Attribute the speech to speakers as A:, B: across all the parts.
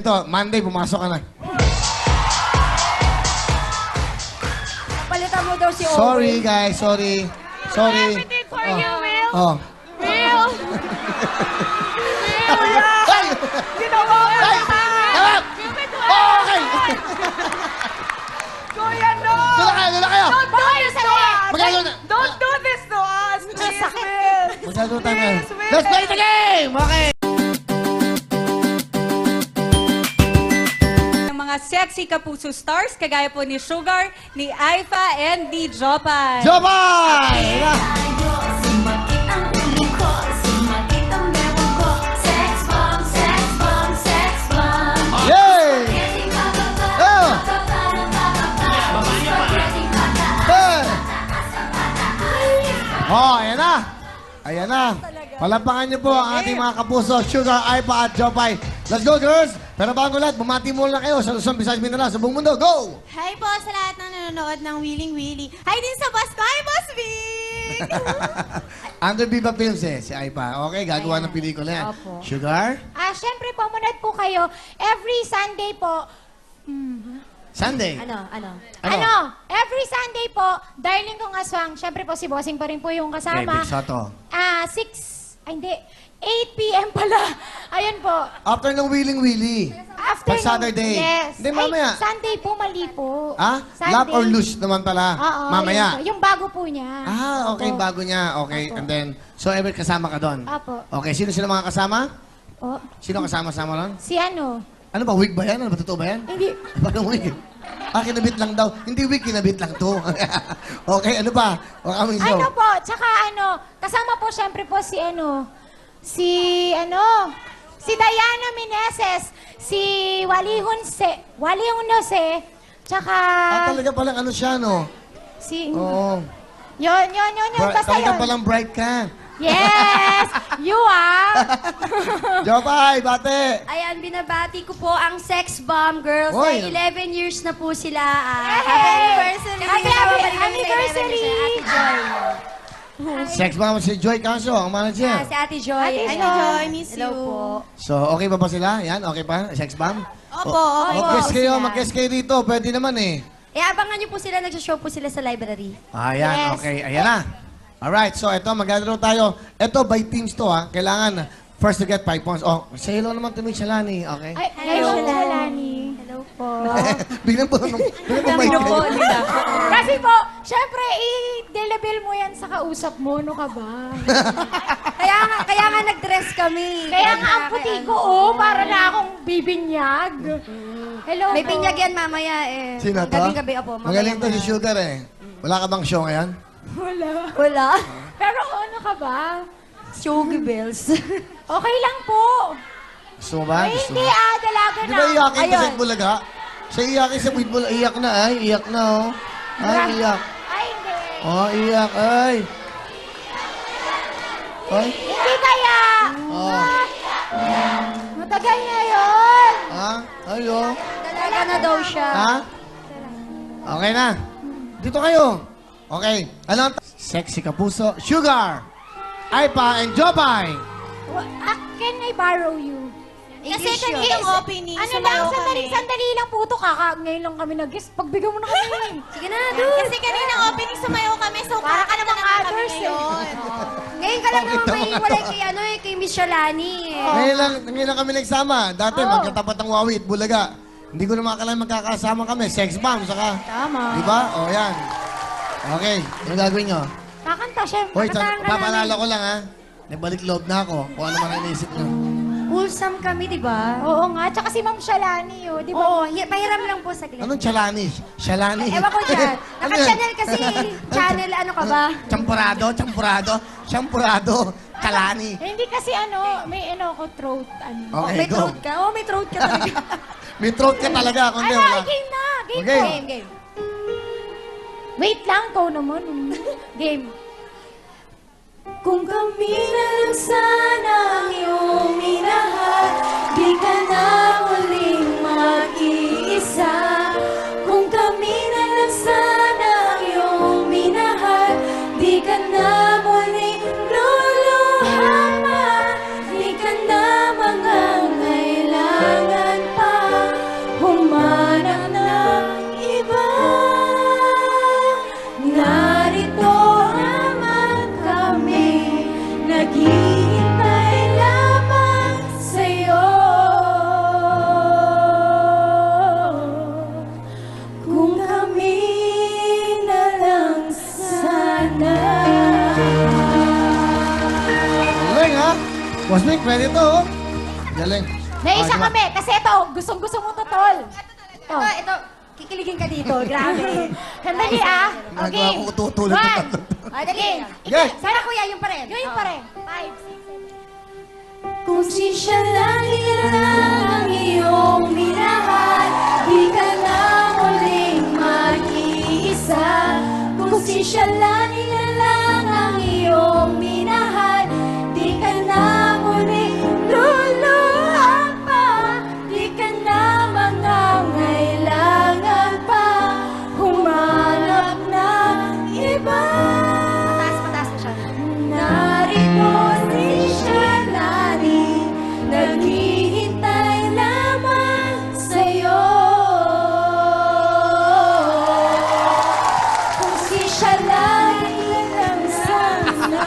A: Ito, Monday, pumasok ka na.
B: Palitan mo daw si Owen.
A: Sorry, guys. Sorry. Sorry.
B: Everything for you, Will.
A: Oh.
B: Will.
A: Ay!
B: Ginawa ko
A: Ay!
B: na.
A: Harap!
B: Give it to
A: Okay!
B: Kuya, no.
A: Doon na kayo!
B: Don't do this to us.
A: Magkano na?
B: Don't do this to us. Please, Will.
A: Magkano tayo ngayon?
B: Please, Will.
A: Let's play the game! Okay!
C: Mga sexy kapuso stars, kagaya po ni Sugar, ni Aifa, and ni Jopay.
A: Jopay!
D: Sumakit ang ulo ko, sumakit ang meron ko. Sex bomb, sex bomb, sex bomb.
A: Yay!
D: Spaghetti bababa,
A: Oh!
D: bababa ng bababa. Spaghetti pataas,
A: Hey!
D: pataas, pataas.
A: Oh, ayan na! Ayan na! Palampakan niyo po ang ating mga kapuso, Sugar, Aipa at Jopay. Let's go, girls! Pero bago lahat, bumati muna kayo sa Luzon, Visayas, Mindanao, sa buong mundo. Go!
E: Hi po sa lahat ng nanonood ng Willing Willy. Hi din sa boss ko. Hi, Boss Vic!
A: Under Viva Films si Aipa. Okay, gagawa ng pelikula yan.
B: Opo.
A: Sugar?
F: Siyempre po, manood po kayo. Every Sunday po.
A: Sunday.
E: Ano?
F: Every Sunday po, Darling Kong Aswang. Siyempre po, si Bossing pa rin po yung
A: Okay,
F: kasama.
A: Big Soto.
F: 8 p.m. pala. Ayun po.
A: After ng Willing Willy.
F: After
A: Pag Saturday.
F: Yes.
A: Hindi, mamaya.
F: Sunday po, mali po.
A: Ah?
F: Sunday.
A: Love or lose naman pala.
F: Oo.
A: Mamaya.
F: Yung bago po niya.
A: Okay,
F: Opo.
A: bago niya. Okay,
F: Opo.
A: and then, so ever kasama ka doon?
F: Apo.
A: Okay, sino sila mga kasama?
F: Oh,
A: Sino kasama-sama doon?
F: si ano?
A: Ano ba, wig ba yan? Ano ba, totoo ba yan?
F: Hindi.
A: Parang wig. Kinabit lang daw. Hindi wig, kinabit lang to. Okay, ano ba? Baka may show.
F: Ano po, tsaka kasama po siyempre po si Diana Meneses, si Wally Hunose, tsaka
A: Talaga palang ano siya, no?
F: si,
A: Oo.
F: yun, basta
A: Talaga
F: yun.
A: palang bright ka.
F: Yes! You
A: Jopay, bate!
E: Ayan, binabati ko po ang Sex Bomb Girls.
A: Oy.
E: Ay, 11 years na po sila.
F: Hey!
E: Happy anniversary!
F: Happy anniversary!
E: Ate Joy.
A: Sex ba si Joy Canso, ang manager?
E: Si Ate Joy.
F: Ate
E: Joy, miss
F: you.
E: Hello po.
A: So, okay pa ba sila? Yan, okay pa? Sex bomb?
E: Opo, okay po.
A: Mag-guess kayo,
E: sila.
A: mag-guess kayo dito. Pwede naman eh.
E: Abangan niyo po sila, nagsashow po sila sa library.
A: Ayan,
F: Yes.
A: okay. Ayan na. Alright, so ito, maglalaro tayo. Ito, by teams to ha. Kailangan first to get 5 points. Oh, say hello naman to Miss Shalani, okay?
F: Ay,
E: Hello.
F: Shalani.
E: Hello po.
A: Biglang po, biglang po mic kayo.
F: Kasi po, syempre, i-delibil mo yan sa kausap mo, no ka ba?
E: kaya nga nag-dress kami.
F: Kaya nga ang puti ko, para na akong bibinyag. Hello
E: May
F: po.
E: binyag yan mamaya eh.
A: Sino to?
E: Gabing-gabi, opo. mamaya
A: Magaling to
E: na.
A: si Sugar eh. Wala ka bang show ngayon?
E: Wala.
F: Pero ano ka ba?
E: Shogi bells.
F: Okay lang po.
A: Gusto mo ba?
F: Ay,
A: Gusto
F: hindi
A: mo?
F: dalaga
A: Di
F: na.
A: ba iyakin to sa
E: Ayun.
A: Bulaga? Siya iyakin sa Bulaga. Iyak na ay. Iyak na oh. Ay, iyak.
F: Ay, hindi.
A: Oh, iyak ay. Ay.
F: Hindi kaya.
A: Oh.
F: Matagal na yun.
A: Ha? Ay, oh.
E: Dalaga na daw siya.
A: Ha? Okay na. Dito kayo. Okay. Ano ang sexy kapuso? Sugar! Aipa and Jopay!
F: Can I borrow you?
E: Kasi
F: kaninang
E: opening,
F: Ano lang, sandali lang po ito. Ngayon lang kami nag-guest. Pagbigyan mo na kami.
E: Sige na, dude. Kasi kanina opening sumayaw kami, so
F: Para ka namang
E: kami
F: others eh.
E: ngayon. Ngayon ka lang naman may walay kay Miss Shalani eh.
A: Ngayon lang kami nagsama. Dati, magkatapat ang Wawi at Bulaga. Hindi ko na makakalain magkakasama kami. Sex bomb, saka...
F: Tama.
A: Di ba? O, yan. Okay. Ano gagawin nyo?
F: Kakanta siya.
A: Hoy,
F: Kakanta ka
A: papaalala
F: namin.
A: ko lang ha. Nagbalik loob na ako. Kung ano man ang inisip nyo.
E: Wholesome kami, di ba?
F: Oo nga. Tsaka si Ma'am Shalani, di ba?
E: Oo, pahiram lang po saglit.
A: Anong chalani? Shalani?
E: Ewan ko dyan.
A: Ano yan?
E: Naka-channel kasi. Channel, ano ka ba?
A: Champurado, champurado, champurado, chalani.
F: Hindi kasi may ko throat,
A: Okay,
E: May
A: go.
E: throat ka? Oo, may throat ka talaga.
A: May throat ka talaga. Kundi
F: Ano,
A: wala.
F: game na. Game
A: Okay.
F: po.
E: Game.
F: Wait lang, ikaw naman. Game.
D: Kung kami na lang sana ang iyong minahal, di ka na muling mag-iisa. Kung kami na lang sana ang iyong minahal, di ka na muling luluha pa, di ka na mangangailangan pa.
A: pwede to, oh. Galing.
F: Naisa
A: diba?
F: kami, kasi ito, gustong-gusto mo to, tol.
E: Ito, kikiligin ka dito. Grabe.
F: Sandali ah.
A: Nagawa
F: Okay.
A: ko tutulog na
F: One.
A: tatlo.
E: Ay, dali.
A: Okay.
E: Sana kuya, yung pa rin.
F: Yun pa rin. 5, 6, 7.
D: Kung si siya lang ang iyong minahal, di ka na muling mag-iisa. Kung si siya lang ang iyong minahal, di ka na muling luluhan pa, di ka na mangangailangan pa humanap ng iba.
E: Mataas mo siya.
D: Narito si Shalani, naghihintay lamang sa'yo. Kung si Shalani lang sana.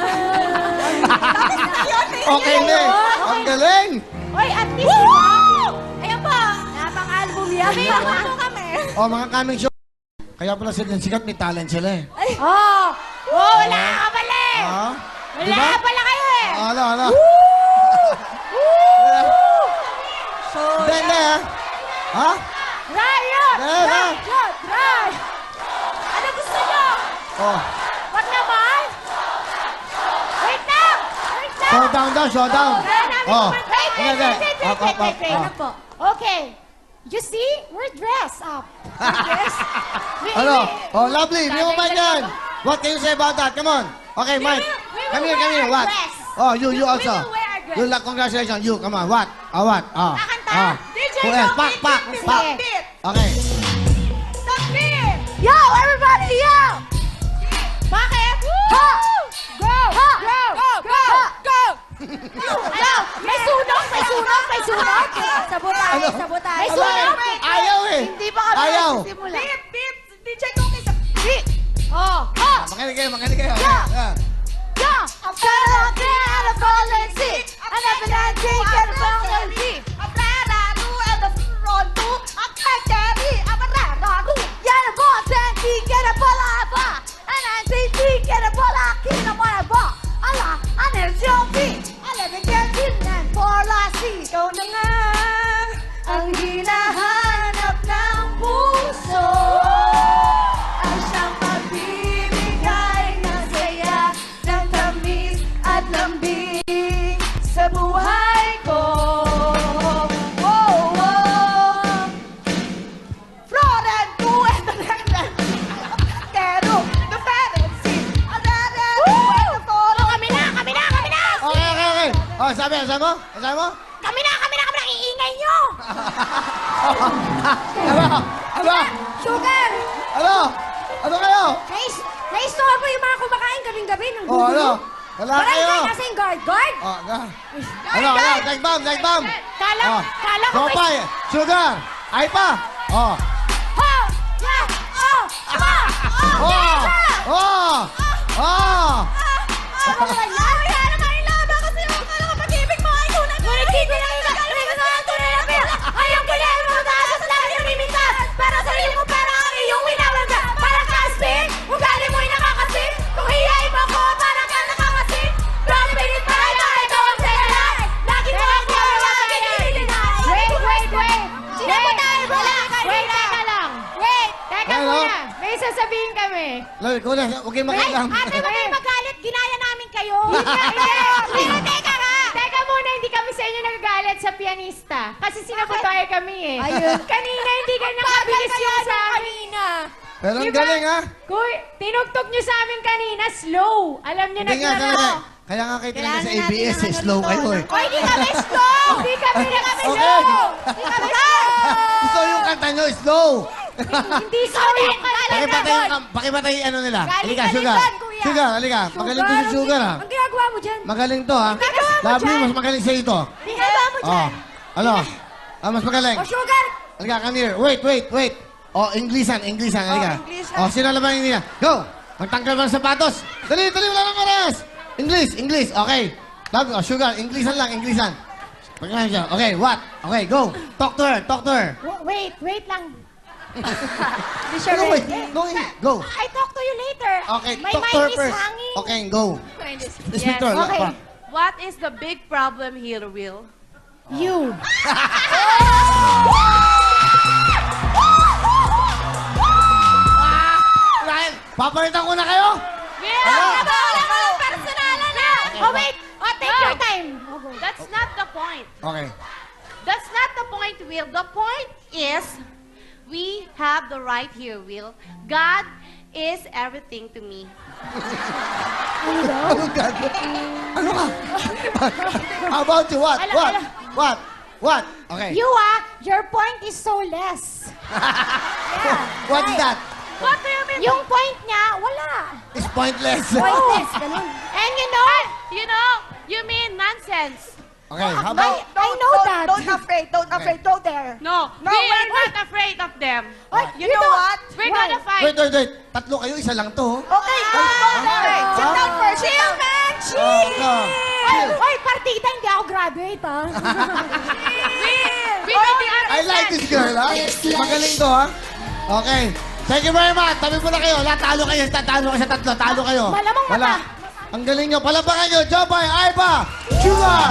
A: Okay na eh. Ang galing.
F: Oy, at least, diba?
E: Ayan po. Napang-album yan. May po kami.
A: Oh, mga coming show. Kaya pala sila sikat, may talent sila eh.
F: Oh, wala ka pala eh.
A: Ah?
F: Wala
A: Diba?
F: ka pala kayo eh.
A: Ala. Hindi, ah. Ha?
F: Riot!
A: Riot!
F: Riot! Ano gusto nyo?
A: Oh.
F: Wag naman! Wait lang! Wait lang!
A: Showdown daw, showdown.
F: Kaya namin
A: Oh.
F: naman- Wait,
A: Hindi, hindi. Up.
F: Ano po? Okay. You see? We're dressed up.
A: Ano? Oh, lovely. Hindi mo ba yan? What can you say about that? Come on. Okay, Mike. Come here, come here. What? Oh, you also.
F: will wear our dress.
A: You, congratulations. You, come on. What? What? Oh.
F: Kakanta? DJ,
A: Who else?
F: no,
A: Pak,
F: beat,
A: pak,
F: beat,
A: pak.
F: beat, beat.
A: Okay.
F: Yo, everybody, yo! Bakit? Ha! Go! Ha! Go! Go! Go! Ano? May sunog! May sunog! May sunog!
E: Sabotay,
A: Ano?
E: sabotay.
F: May sunog!
A: Ayaw eh.
F: Hindi pa kami
A: Ayaw.
F: nagsisimula. Beep! Beep! DJ Cookie sa... Beep! Oh! Ha!
A: Makinig kayo, makinig kayo.
F: Yeah.
A: Yeah.
F: Yeah! I'm fed up and I'm falling sick. I'm never that drink and I'm falling sick. I'm fed up and I'm run to. I'm fed up I'm a run to. Yeah, the boss and he get a bola ba. And I say he get a bola king of my ba. Allah, I never jump in. I never get in and for last seat. Ikaw na nga
D: Ang hinahanap ng puso ay siyang magbibigay ng saya, ng tamis at lambing sa buhay ko. Oh, oh.
F: Florent to and the London. Pero the fantasy. Kami na! Kami na! Kami na!
A: Okay. Oh, sabi mo? Sabi mo?
F: Kami na! Kami na! Kami na! Iingay nyo!
A: Ano?
E: Sugar!
A: Ano kayo?
E: Na-store po yung mga kumakain gabing-gabi ng
A: Oh, ano? Wala kayo.
E: Nasa yung guard. Guard?
A: Oh, ano? Next bomb.
F: Kala ko may...
A: Tropay, sugar, ay pa. Oh.
F: Ha! Yeah! Oh! Ama! Oh!
A: Oh. Oh.
F: Ano ba yan? Kaya naman ilaban kasi yung pag-ibig mo ay tunay. Ngunit di ko lang ikakalimutan sa tunay na pera. Ayaw ko na yung mga taas sa lahat yung mimintas. Pero sa iyo mo pera ang iyong winawalga. Parang kaspin, ugali mo'y nakakasin. Kung hiyain mo ko, parang ka nakakasin. Pero pinit pa rin na ikaw ang sayalan. Lagi mo ako ang lagi nililinaw. Wait! Sino mo tayo ba? Wait, teka lang. Wait, teka
A: Ano?
F: muna. May sasabihin kami.
A: Lalo, ikaw na, huwag kayong makialam.
F: Ate, huwag kayong magalit. Ginaya namin kayo. Pero teka nga. Teka muna, hindi kami sa inyo nagagalit sa pianista. Kasi sinabotahe kami eh.
E: Ayun.
F: Kanina, hindi ka nakabilis yung sa amin.
A: Pero ang
F: Diba?
A: galing, ha?
F: Kuy, tinugtog nyo sa amin kanina, slow. Alam nyo na
A: Hindi nga talaga. Kaya nga kayo talaga sa ABS, eh, slow kayo eh.
F: Oy, hindi kami slow! Hindi kami
A: Okay.
F: slow! Hindi kami slow!
A: Gusto yung kanta nyo, slow.
F: Hindi slow yung kanina.
A: Pakipatay ano nila.
F: Galing
A: Halika,
F: ka
A: sugar.
F: din, kuya.
A: Sugar, halika. Magaling to si sugar, ha?
E: Ang ginagawa mo dyan?
A: Magaling to, ha?
F: Ginagawa mo
A: Lovely,
F: dyan.
A: mas magaling sa ito.
F: Ginagawa mo
A: Oh.
F: dyan.
A: Ano? Mas magaling.
E: Oh, sugar!
A: Halika, come here. Wait. Oh, Inglesan. Halika.
E: Inglesan.
A: Oh, sino laban yung Go! Magtanggal mo ng sapatos. Dali, wala ng oras. English. Okay. Love, oh, sugar, Inglesan lang. Pagkain siya. Okay, what? Okay, go. Talk to her.
F: Wait lang.
E: Hindi siya
A: No, wait.
E: ready.
A: No, go.
F: I talk to you later.
A: Okay,
F: My
A: talk to her
F: mind is
A: first.
F: hanging.
A: Okay, go. Speak to her.
F: Okay. What is the big problem here, Will?
D: You.
A: Ryan, papalitan ko na kayo?
F: Will!
D: Wala personalan na. Oh, wait. Oh, take
F: No.
D: your time. Oh, go.
F: That's not the point.
A: Okay.
F: That's not the point, Will. The point is, we have the right here, Will. God is everything to me.
A: Anong gagawin? Ano ka? How about you? What?
D: Ala,
A: What?
D: ala.
A: What? What? Okay.
D: Your point is so less.
A: What's that?
F: What do you mean?
D: Yung point niya, wala.
A: It's pointless.
D: Pointless, ganun. And you know,
F: You mean nonsense.
A: Okay, how about...
D: I know that.
B: Don't afraid. Don't afraid. Don't dare.
F: No,
B: No,
F: we
B: wait,
F: are not afraid of them.
B: You know what?
F: We're gonna fight.
A: Wait. Tatlo kayo, isa lang to.
B: Okay, go there. Sit down first. Chill, man. Chill.
D: Oy, partida, hindi ako graduate, ha?
F: We don't
A: I like this girl, ha? Magaling to, ha? Okay. Thank you very much. Tabi mo na kayo. Lahat talo kayo. Tatalo kayo sa tatlo. Talo kayo.
D: Malamang
A: Wala.
D: mata.
A: Ang galing nyo. Palapakan nyo. Jopay, Aiba, Sugar.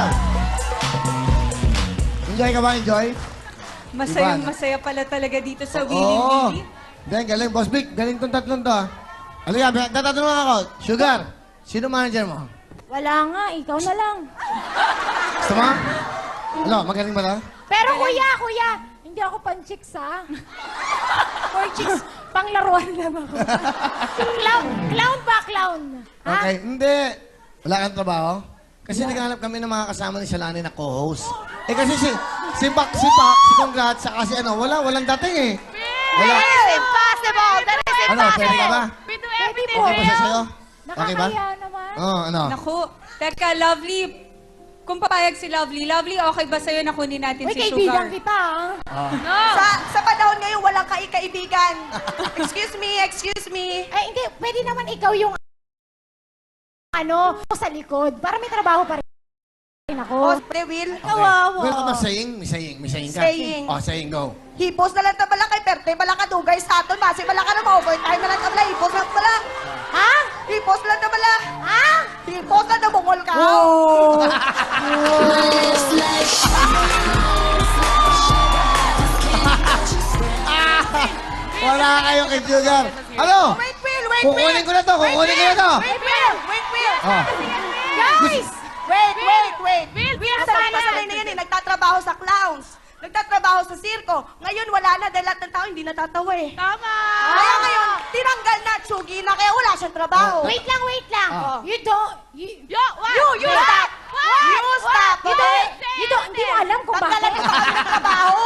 A: Enjoy ka ba? Enjoy?
C: Masaya pala talaga dito sa Willy
A: Oo.
C: Willy.
A: Then, galing. Boss Vic, galing tong tatlong to, ha? Halika, tatanungan ako. Sugar, sino manager mo?
D: Wala nga, ikaw na lang.
A: Gusto mo? Ano, magaling ba na?
D: Pero kuya, hindi ako pan-chicks, ha? For chicks, panglaruan lang ako. Clown ba, clown? Ha?
A: Okay, hindi. Wala kang trabaho? Kasi naghanap kami ng mga kasama ni Shalani na co-host. Eh kasi si Pak, si Congrats, saka si walang dating eh. Wala.
F: That is impossible. That is
A: Ano, pwede ka ba?
F: We do
D: Pwede
F: everything,
D: po.
A: Okay ba siya
F: Will.
A: sa'yo? Okay ba?
D: Nakakaya naman.
A: Oo, ano?
C: Naku, teka, Lovely. Kung papayag si Lovely, okay ba sa'yo na kunin natin
D: Uy,
C: si
D: kaibigan
C: Sugar?
D: kita, ha?
F: No.
B: Sa panahon ngayon, walang kaibigan. Excuse me.
D: Eh, hindi, pwede naman ikaw yung sa likod. Para may trabaho pa rin
B: Oh,
D: ako.
B: Will.
D: Kawawa.
A: Well, ka ba saying? May saying ka?
B: Saying.
A: Oh, saying, go.
B: Hipos na lang na balakay, perte, balaka dugay sa aton, masi balaka na ma-overtime na lang kabla, hipos lang bala.
D: Ha?
B: Hipos lang na bala.
D: Ha?
B: Hipos lang na bungol ka.
A: Wala kayong kay Sugar. Ano?
B: Wait, Will.
A: Kukunin ko na to, kukunin ko na to.
B: Wait, Will.
A: Oh.
D: Guys!
B: Wait.
F: Will,
B: Sanay na yan eh, nagtatrabaho sa clowns. Nagtatrabaho sa sirko. Ngayon wala na dahil lahat ng tao hindi natatawa eh.
F: Tama.
B: Kaya ngayon, tinanggal na, tsugi na, kaya wala siyang trabaho.
D: Wait lang.
A: Ah.
D: You don't... You
F: What?
B: You stop! You stop!
D: hindi mo alam kung
B: Tanggalan
D: bakit.
B: niyo pa kami ng trabaho.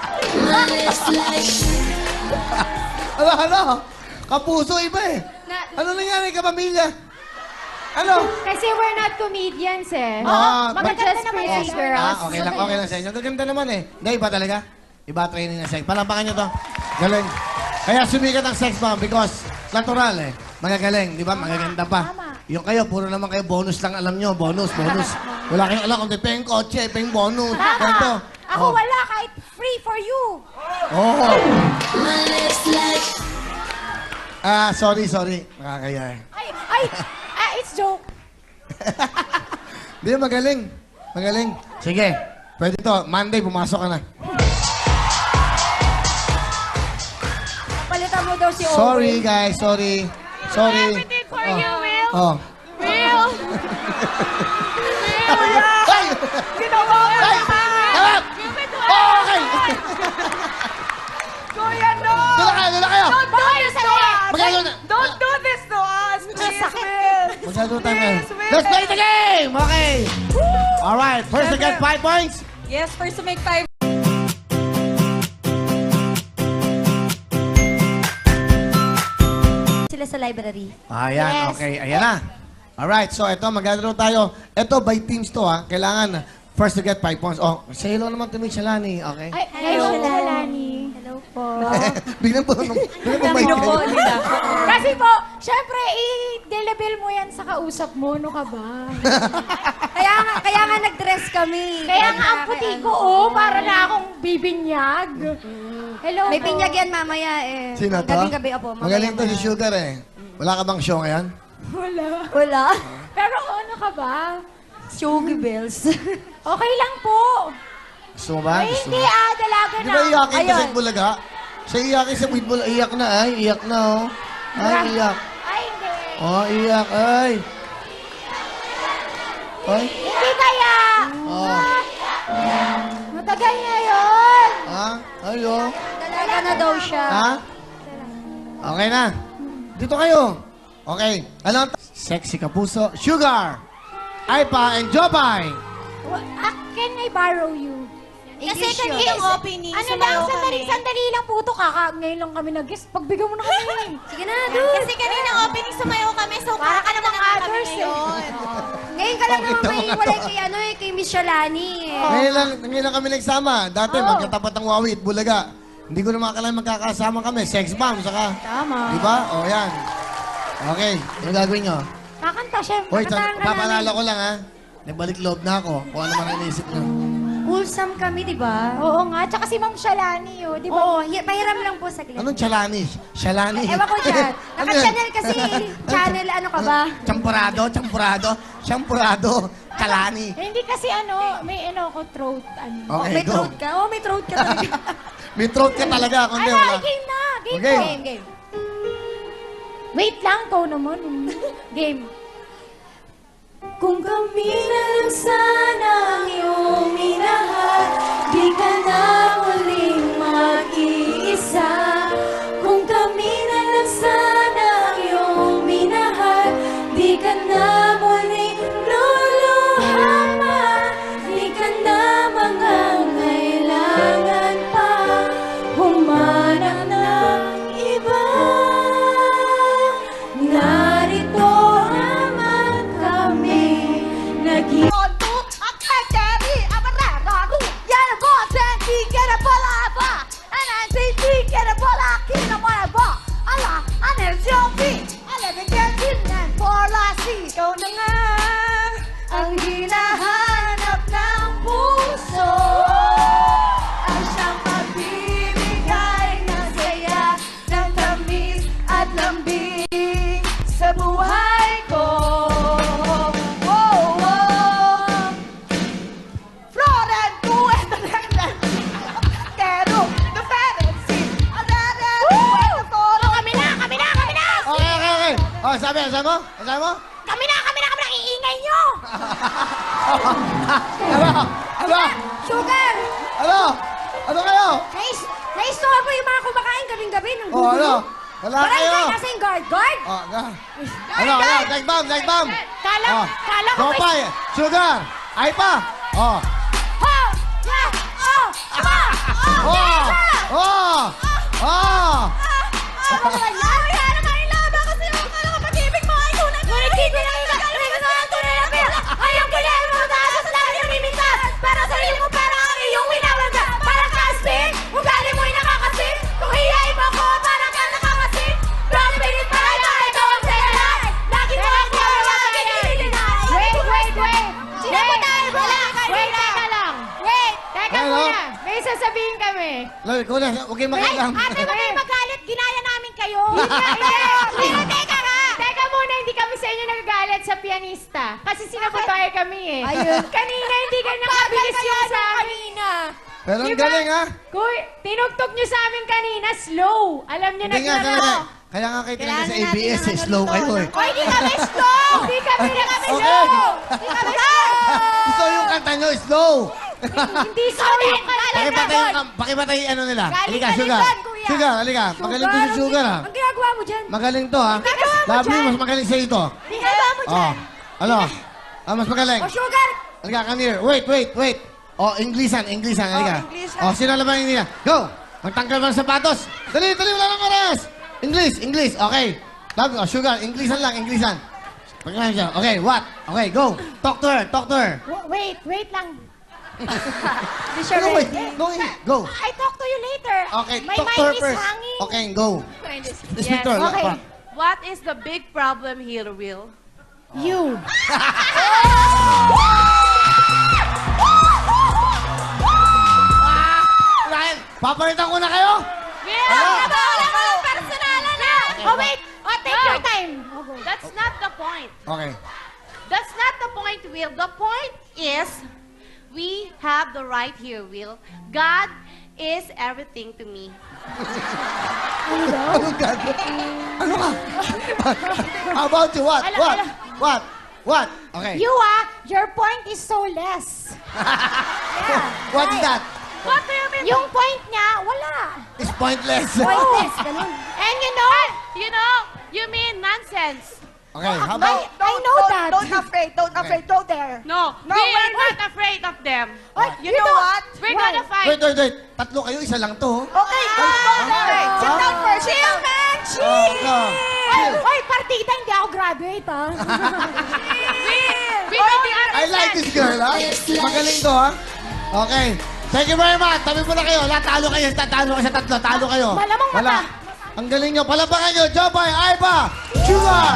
A: Ano? Kapuso iba eh. Ano nangyari ka, pamilya? Ano?
D: Kasi we're not comedians, eh.
A: Ah,
D: Maganda
A: but-
D: naman
A: Oh,
D: si girls.
A: okay lang sa inyo. Gaganda naman eh. Hindi, iba talaga. Iba training na sex. Palampakan nyo to. Galing. Kaya sumikat ang sex bomb because natural eh. Magagaling, di ba? Magaganda pa.
D: Tama.
A: Yung kayo, puro naman kayo bonus lang alam nyo. Bonus. Wala kayong alam kung peng kotse, peng bonus. Ganito.
D: Ako wala, kahit free for you.
A: Oh. Sorry. Nakakaya eh.
D: It's joke.
A: Di, magaling. Sige. Pwede to. Monday, pumasok ka na.
C: Palitan mo daw si
A: Sorry, guys. Sorry.
F: Everything for you, Will.
A: Oh.
F: Will.
A: Ay!
B: Ginawa ko
A: Ay!
B: naman.
A: Tama! Okay!
B: Kuya, no!
A: Doon na kayo!
B: Don't do this to us!
A: Magkano na?
B: Don't do this to us! Please, Will!
A: Masyado tayo ngayon.
B: Please, Will.
A: Let's play the game! Okay! Alright, first to get 5 points.
C: Yes, first to make 5.
E: Sila sa library.
A: Ayan, okay. Ayan na. Alright, so ito, maglalaro tayo. Ito, by teams to ha. Kailangan first to get 5 points. Oh, say hello naman to Miss Shalani, okay?
D: Ay,
E: Hello.
D: Shalani.
E: Hello po.
A: Biglang po,
C: Bino po nila.
D: Kasi po, syempre, i-delabel mo yan sa kausap mo. No ka ba?
E: Kaya nga nag-dress kami.
D: Kaya nga ang puti ko, para na akong bibinyag. Hello
E: May
D: po.
E: pinyag yan mamaya eh.
A: Sino to?
E: Gabing-gabi, opo. mamaya
A: Magaling to
E: na.
A: si Sugar eh. Wala ka bang show ngayon?
D: Wala.
E: Wala.
D: Pero ano ka ba? Sugar bells.
F: Okay lang po.
A: Gusto mo ba? Gusto
F: Hindi
A: mo?
F: dalaga
A: Di
F: na.
A: ba iyakin ka sa
F: Ayun.
A: Bulaga? Siya iyakin sa Bulaga. Iyak na, ay. Iyak na, oh. Ay, iyak.
F: Ay, hindi.
A: Oh, iyak, ay. Ay.
F: Hindi kaya.
A: Oh.
F: Matagal na yun.
A: Ha? Ay, oh.
D: Dalaga na daw siya.
A: Ha? Okay na. Dito kayo. Okay. Alam, sexy kapuso, Sugar, Aipa, and Jopay.
F: Can I borrow you?
E: Kasi kanina yung opening,
F: Ano
E: sumayaw
F: lang,
E: kami.
F: sandali lang po ito. Ngayon lang kami nag-guest. Pagbigyan mo na kami.
D: Sige na, dude.
E: Kasi kanina opening, sumayaw kami. So,
F: Para ka namang
E: kami
F: others eh.
E: ngayon.
D: Ngayon ka lang
A: Bakit
D: naman
A: naman
D: may
A: ako?
D: walay kay, kay Miss Shalani.
A: Ngayon lang kami nagsama. Dati, magkatapat ang Wawi at Bulaga. Hindi ko na makakalain magkakasama kami. Sex bomb, saka.
F: Tama.
A: Di ba? O, yan. Okay. Ano gagawin nyo?
F: Kakanta siya.
A: Hoy,
F: Kakatahan ka
A: papalala
F: namin.
A: ko lang, ha? Nagbalik loob na ako. Kung ano man ang iniisip nyo.
D: Wholesome kami, di ba?
F: Oo nga. Tsaka si Ma'am Shalani, oh. Di ba?
D: Oo, pahiram lang po saglit.
A: Anong Chalani? Shalani?
D: Ewan ko dyan.
A: Ano yan?
D: Naka-channel kasi. Channel, ano ka ba?
A: Champurado, Chalani.
F: Eh, hindi kasi may ko throat.
A: Okay,
D: May
A: go.
D: throat ka? Oo, may throat ka talaga.
A: May throat ka talaga. Kundi
F: Ano,
A: wala.
F: game na. Game
A: Okay.
F: po.
D: Game.
F: Wait lang, ikaw naman. Game.
D: Kung kami na lang sana ang iyong minahal, di ka na muling mag-iisa. Kung kami na lang sana ang iyong minahal, di ka na muling luluhama. Di ka na mangangailangan pa humanap ng iba. Narito naman kami nag- Ikaw na nga ang hinahanap ng puso, ang siyang magbibigay ng saya, ng tamis at lambing sa buhay ko. Oh, oh. Florent, tú es the Pero, the fantasy.
F: Kami na!
A: Okay. Oh, sabi mo?
F: Kami na! Iingay nyo!
D: Sugar!
A: Ano kayo?
D: Naistorbo yung mga kumakain gabing-gabi ng
A: Oh,
D: gugulo.
A: Wala
D: Parang
A: kayo.
D: kayo nasa yung guard.
A: Oh, Dive bomb.
F: Kala ko may...
A: Jopay, Sugar, Aipa. Oh.
F: Ho! Ya! Oh!
A: Oh.
F: Ano ba yan? Kaya naman yung laba kasi yung pag-ibig mo ay tunay. Ngunit di ko lang gagawin ko ang tunay na pera. Ayaw ko lang mo taas sa labi ng mimintas. Para sa sarili mo pera ang iyong winawanda. Parang kaspin, ugali mo'y nakakasip. Kung hiyain mo ko, parang ka nakakasip. Don't pilit para lang, ikaw ang sayalan. Lagi mo ako ang pag-ibig. Wait. Sino mo tayo? Wait, teka lang. Teka
A: Hello?
F: muna. May sasabihin kami.
A: Loy, kuya, huwag kayong makialam.
F: Ate, wag kayong magalit. Ginaya namin kayo. Teka muna, hindi kami sa inyo nagagalit sa pianista. Kasi sinabotahe kami eh.
D: Ayun.
F: Kanina, hindi ka nakabilis yung sa amin.
A: Pero ang
F: Diba?
A: galing, ha?
F: Kuy, tinugtog nyo sa amin kanina, slow. Alam nyo na
A: Hindi nga,
F: gano'n.
A: kaya nga kayo talaga sa
E: Kailangan natin
A: ABS,
E: ng
A: slow
E: ano
A: kayo,
E: dito,
A: eh.
F: Oy, hindi kami slow! Hindi kami
A: Okay.
F: slow! Hindi kami slow!
A: Gusto yung kanta nyo, slow.
F: Hindi slow yung kanta.
A: Pakipatay ano nila.
F: Galing
A: Halika,
F: ka
A: Sugar.
F: dyan, kuya.
A: Sugar, halika. Magaling to si Sugar, ha?
D: Ang ginagawa mo dyan?
A: Magaling to, ha?
F: ginagawa mo
A: Lovely,
F: dyan?
A: mas magaling sa'yo to.
F: Ginagawa mo dyan.
A: Oh. Ano? Mas magaling.
D: O, Sugar!
A: Halika, come here. Wait. Oh, Inglesan, halika.
B: Inglesan.
A: Oh, sino laban yung nila? Go! Magtanggal mo ng sapatos. Dali, wala nang oras. English. Okay. Sugar, Inglesan. Pagkakain siya. Okay, what? Okay, go. Talk to her.
F: Wait lang.
D: Hindi siya
A: No, wait.
D: ready.
A: No, go.
F: I talk to you later.
A: Okay,
F: My
A: talk to her
F: mind is
A: first.
F: hanging.
A: Okay, go. Speak to her.
F: okay.
B: What is the big problem here, Will?
F: You.
A: Ryan, papalitan ko na kayo.
F: Personalan na. Oh, wait. Oh, take your time.
B: That's not the point.
A: Okay.
F: That's not the point, Will. The point is, we have the right here, Will. God is everything to me.
A: Ano gagawin? Ano ka? How about you? What?
D: Ala,
A: What?
D: ala.
A: What? What? Okay.
D: Your point is so less.
A: What is that?
F: What do you mean?
D: Yung point niya, wala.
A: It's pointless.
D: Pointless, ganun.
F: And you mean nonsense.
A: Okay, how about...
D: I know that.
B: Don't afraid. Don't afraid. Go there.
F: No,
B: No,
F: we are
B: wait,
F: not afraid of them.
D: Oy,
B: You know what?
F: We're
D: Why?
F: gonna fight.
A: Wait. Tatlo kayo, isa lang to.
B: Okay, go there. Sit down first. Chill, man. Chill.
D: Oy, partida, hindi ako graduate, ha?
F: We don't think
A: I like this girl, ha? Magaling to, ha? Okay. Thank you very much. Tabi mo na kayo. Talo kayo. Tatalo kayo sa tatlo. Talo kayo.
D: Malamang
A: Wala.
D: mata.
A: Ang galing nyo. Palapakan nyo. Jopay, Aiba, Sugar.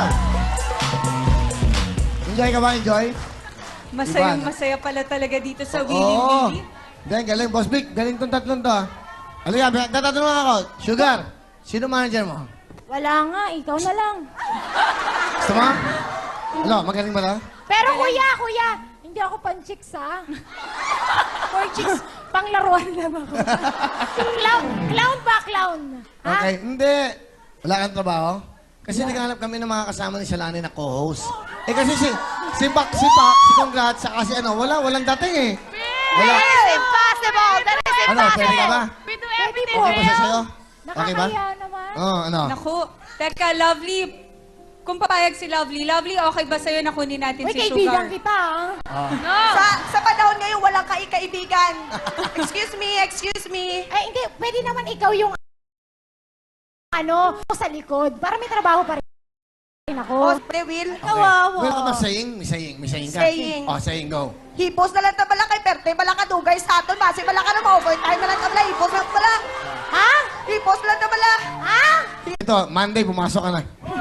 A: Enjoy ka ba? Enjoy?
C: Masaya pala talaga dito sa Willy
A: Oo.
C: Willy.
A: Then, galing. Boss Vic, galing tong tatlong to, ha? Halika, tatanungan ako. Sugar, sino manager mo?
D: Wala nga, ikaw na lang.
A: Gusto mo? Ano, magaling ba na?
D: Pero kuya, hindi ako pan-chicks, ha? For chicks, panglaruan lang ako. Clown ba, clown? Ha?
A: Okay, hindi. Wala kang trabaho? Kasi naghanap kami ng mga kasama ni Shalani na co-host. Eh kasi si Pak, si Congrats, saka si walang dating eh. Wala.
F: That is impossible. That is
A: Ano, pwede ka ba?
F: We do everything,
A: Okay ba siya
F: Will.
A: sa'yo? Okay ba?
D: Nakakaya naman.
A: Oo, ano?
C: Naku, teka, Lovely. Kung papayag si Lovely, okay ba sa'yo na kunin natin
D: Uy,
C: si
D: kaibigan
C: Sugar?
D: kita, ha?
F: No.
B: Sa panahon ngayon, walang kaibigan. Excuse me.
D: Ay, hindi, pwede naman ikaw yung sa likod. Para may trabaho pa rin
B: Oh,
D: ako.
B: pre, Will.
D: Kawawa.
A: Will ka ba saying? May saying ka?
B: Saying.
A: Oh, saying, go.
B: Hipos na lang na bala kay Perte, bala ka dugay sa aton, base bala ka na ma-overtime na lang ka bala, hipos na bala.
D: Ha?
B: Hipos na lang bala.
D: Ha?
A: Ito, Monday, pumasok ka na.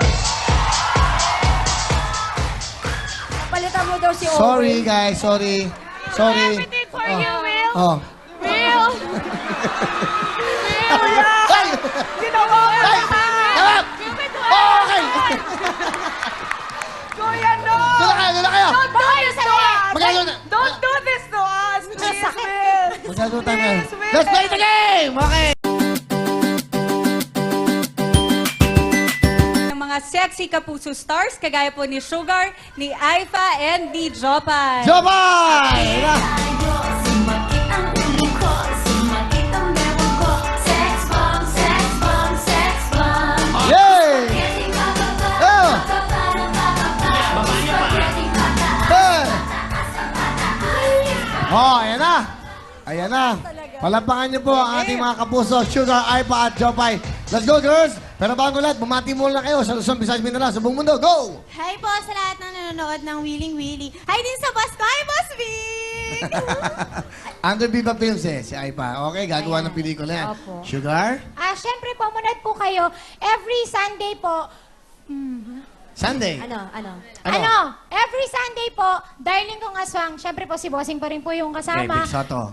D: Palitan mo daw si Owen.
A: Sorry, guys. Sorry.
F: Everything for you, Will.
A: Oh.
F: Will.
A: Ay!
B: Ginawa ko
A: Ay! Tama! Okay!
B: Kuya, no!
A: Doon na kayo!
D: Bakit sa
A: Magkano na?
B: Don't do this to us, please, Will.
A: Magkano tayo ngayon?
B: Please, Will.
A: Let's play the game! Okay!
C: Ng mga sexy kapuso stars, kagaya po ni Sugar, ni Aifa, and ni Jopay.
A: Jopay!
D: Sumakit ang ulo ko, sumakit ang meron ko. Sex bomb, sex bomb, sex bomb.
A: Yay! Oh! Hey! Oh, ayan na! Ayan na! Palampakan niyo po ang ating mga kapuso, Sugar, Aipa at Jopay. Let's go, girls! Pero bago lahat, bumati muna kayo sa Luzon, Visayas, Mindanao, sa buong mundo. Go!
E: Hi po sa lahat ng nanonood ng Willing Willy. Hi din sa boss ko. Hi, Boss Vic!
A: Under Viva Films si Aipa. Okay, gagawa ng pelikula yan.
D: Opo.
A: Sugar?
D: Siyempre po, munad po kayo. Every Sunday po,
A: Sunday.
D: every Sunday po, darling kong aswang, siyempre po si Bossing pa rin po yung
A: Okay,
D: kasama.
A: Big Soto.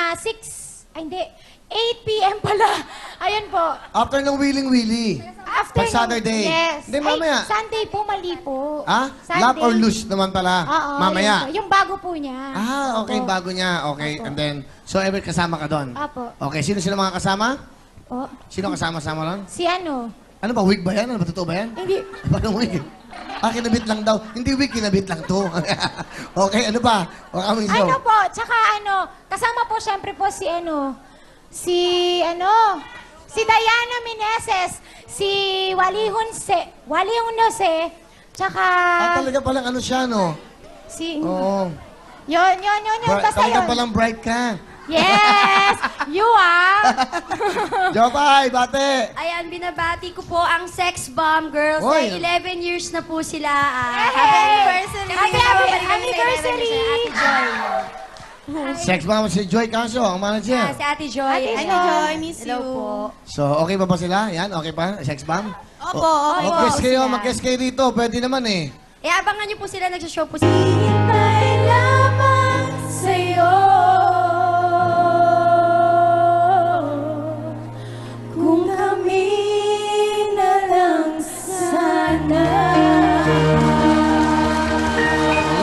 D: 8 p.m. pala. Ayan po.
A: After ng Willing Willy.
D: After
A: Pag Saturday.
D: Yes.
A: Hindi, mamaya.
D: Ay, Sunday po, mali po.
A: Ah?
D: Sunday.
A: Love or lose naman pala.
D: Oo,
A: Mamaya.
D: yun po. Yung bago po niya.
A: Ah, okay,
D: Opo.
A: bago niya. Okay,
D: Opo.
A: and then, so ever kasama ka doon?
D: Opo.
A: Okay, sino sila mga kasama?
D: Oh,
A: Sino kasama-sama doon?
D: si ano?
A: Ano ba, wig ba yan? Ano ba, totoo ba yan?
D: Hindi.
A: Paano wig? Kinabit lang daw. Hindi wig, kinabit lang to. Okay, ano ba? O kaming show.
D: Ano po, tsaka kasama po siyempre po si Diana Meneses, si Wally Hunose, tsaka
A: Talaga palang ano siya, no?
D: si,
A: Oo.
D: yun, basta
A: Talaga
D: yun.
A: palang bright ka.
D: Yes! You
A: Jopay, bate!
E: Ayan, binabati ko po ang Sex Bomb Girls.
A: Oy.
E: Ay, 11 years na po sila.
D: Hey!
E: Happy anniversary!
D: Happy anniversary!
E: Ate Joy.
A: Sex bomb si Joy Canso, ang manager.
E: Si Ate Joy.
D: Ate Joy,
E: miss
D: hello
E: you.
D: po.
A: So, okay ba sila? Yan, okay pa? Sex bomb?
E: Opo, opo.
A: Mag-guest kayo,
E: sila.
A: mag-guest kayo dito. Pwede naman eh.
E: Abangan niyo po sila, nagsashow po sila.
D: Hintay lamang sa'yo kung kami na lang sana.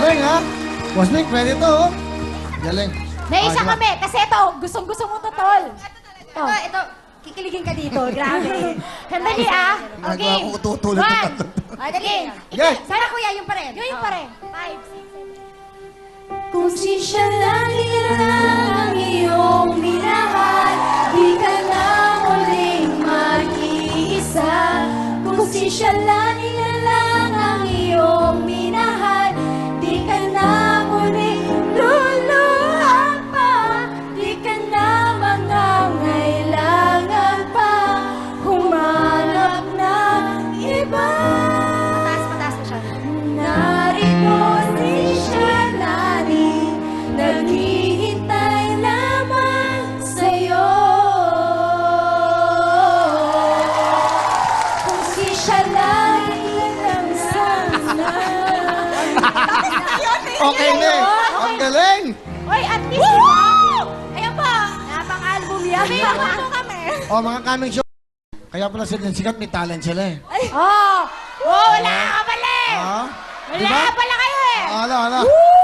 A: Boss Nick, pwede to, oh. Galing.
F: Naisa
A: diba?
F: kami, kasi ito, gustong-gusto mo to, tol. Ito, kikiligin ka dito, grabe. Sandali ah.
A: Nagawa
F: Okay.
A: ko tutulog ng tatlo.
F: Dali.
A: Yes.
F: Sana kuya, yung pa rin. Yung pa rin. 5, 6, 7.
D: Kung si siya lang ang iyong minahal, di ka na muling mag-iisa. Kung si siya lang ang iyong minahal, di ka na muling luluhan pa, di ka na mangangailangan pa humanap ng iba.
F: Mataas mo siya.
D: Narito si Shalani, naghihintay lamang sa'yo. Kung si Shalani lang sana.
A: Okay, Nick. Ang galing.
F: Oy, at least, diba? Ayan pa. Napang-album yan. May mga kami.
A: Oh, mga coming show. Kaya pala sila sikat, may talent sila eh.
F: Oh, wala ka pala eh.
A: Ha?
F: Wala ka pala kayo eh.
A: Ala.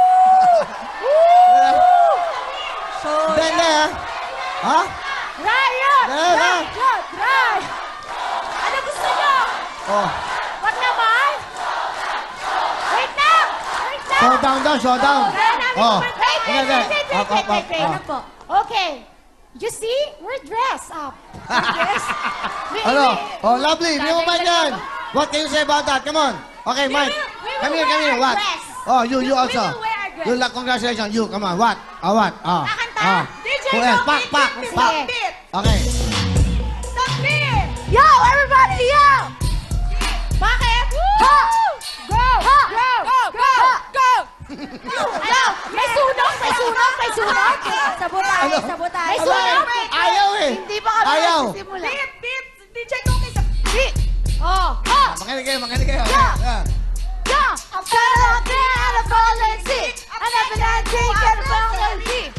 A: Hindi, ha? Ha?
F: Riot!
A: Riot!
F: Riot! Ano gusto nyo?
A: Oh.
F: Wag naman! Wait lang!
A: Showdown daw, showdown. Oh.
F: Wait.
A: Up.
F: Ano po? Okay. You see? We're dressed up.
A: Hello. Oh, lovely. Hindi mo ba yan? What can you say about that? Come on. Okay, Mike. Come here. What? Oh, you also.
F: We will wear our dress.
A: You, congratulations. You, come on. What? What?
F: Kakanta? DJ,
A: Who else?
F: go,
A: Pak.
F: beat.
A: Okay.
F: Stop beat! Yo, everybody, yo! Bakit? Ha! Go! Ha! Go! Ano? May sunog! Sabotay!
A: Ano?
F: May
A: Ano?
F: sunog!
A: Ayaw eh.
F: Hindi pa kami
A: Ayaw.
F: nagsisimula. Beat! DJ Cookie sa beat! Oh!
A: Makinig kayo.
F: Yeah. I'm fed up there and I'm falling sick. I never done drink and I'm falling sick.